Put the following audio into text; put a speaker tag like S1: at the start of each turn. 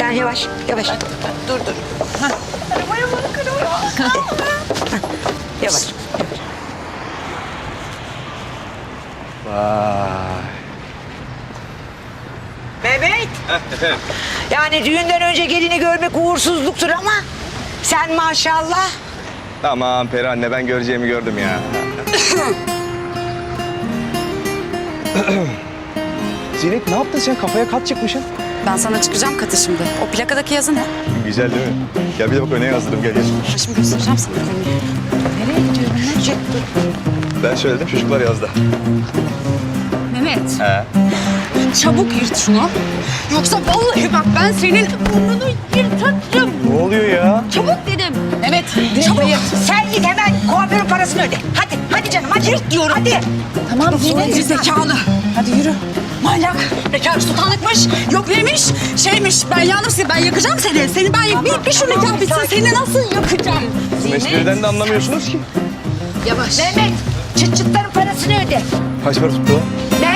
S1: Sen yavaş, yavaş.
S2: Dur.
S1: Arabaya bak, arabaya. Yavaş.
S3: Vay.
S1: Mehmet.
S3: Efendim?
S1: Yani düğünden önce gelini görmek uğursuzluktur ama sen maşallah.
S3: Tamam Peri anne, ben göreceğimi gördüm ya. Zinet, ne yaptın sen? Kafaya kat çıkmışsın.
S4: Ben sana çıkacağım katı şimdi. O plakadaki yazı ne?
S3: Güzel değil mi? Gel bir de bak, öne yazdırdım, gel gel.
S4: Ben şimdi göstereceğim sana konuyu. Nereye gidiyorum ben?
S3: Ben söyledim, çocuklar yazdı.
S4: Mehmet,
S3: He.
S4: çabuk yırt şunu. Yoksa vallahi bak ben senin burnunu yırtarım.
S3: Ne oluyor ya?
S4: Çabuk dedim. Mehmet,
S1: Çabuk. Sen git hemen kuaförün parasını öde. Hadi canım hadi. Yırt diyorum. Hadi.
S4: Tamam Zinet zekalı. Hadi yürü. Manyak. Bekar sultanlıkmış. Yok neymiş? Şeymiş. Ben yandım seni. Ben yakacağım seni. Seni ben bir şu nikah bitsin. Seni nasıl yakacağım?
S3: Siz espriden de anlamıyorsunuz ki.
S4: Yavaş.
S1: Mehmet çıt çıtların parasını öde.
S3: Kaç para tuttu o?
S1: Ben